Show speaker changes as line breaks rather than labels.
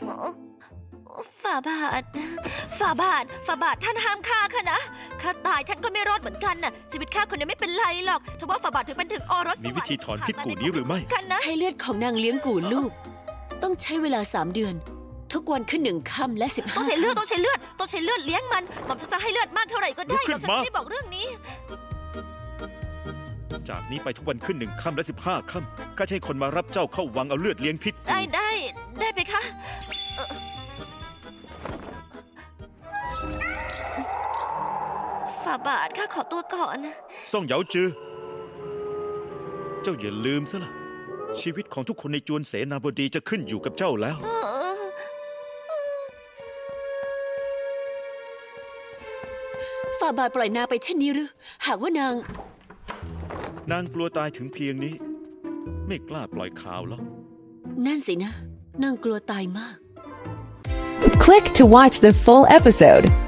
ฝ่าบาทฝ่าบาทท่านห้ามฆ่าข้านะข้าตายท่านก็ไม่รอดเหมือนกันน่ะชีวิตข้าคนนี้ไม่เป็นไรหรอกแต่ว่าฝ่าบาทถึงเป็นถึงอรส
มีวิธีถอนพิษกูนี้หรือไม่
กันนะ
ใช้เลือดของนางเลี้ยงกูลูก ต้องใช้เวลา3 เดือน ทุกวันขึ้น1 ค่ำและ15
ต้องใช้เลือดเลี้ยงมันหม่อมฉันจะให้เลือดมากเท่าไหร่ก็ได้
ลุกขึ้น
หม่อมฉัน
มา
ไม่บอกเรื่องนี้
จากนี้ไปทุกวันขึ้น1 ค่ำและ15 ค่ำข้าจะให้คนมารับเจ้าเข้าวังเอาเลือดเลี้ยงพิษกู
ได้ไปคะฝ่าบาทข้าขอตัวก่อน
ซ่องเหยาจือ เจ้าอย่าลืมซะละชีวิตของทุกคนในจวนเสนาบดีจะขึ้นอยู่กับเจ้าแล้ว
ฝ่าบาทปล่อยนางไปเช่นนี้หรือ หากว่านาง
นางกลัวตายถึงเพียงนี้ ไม่กล้าปล่อยข่าวหรอก
นั่นสินะ นางกลัวตายมาก
Click to watch the full episode.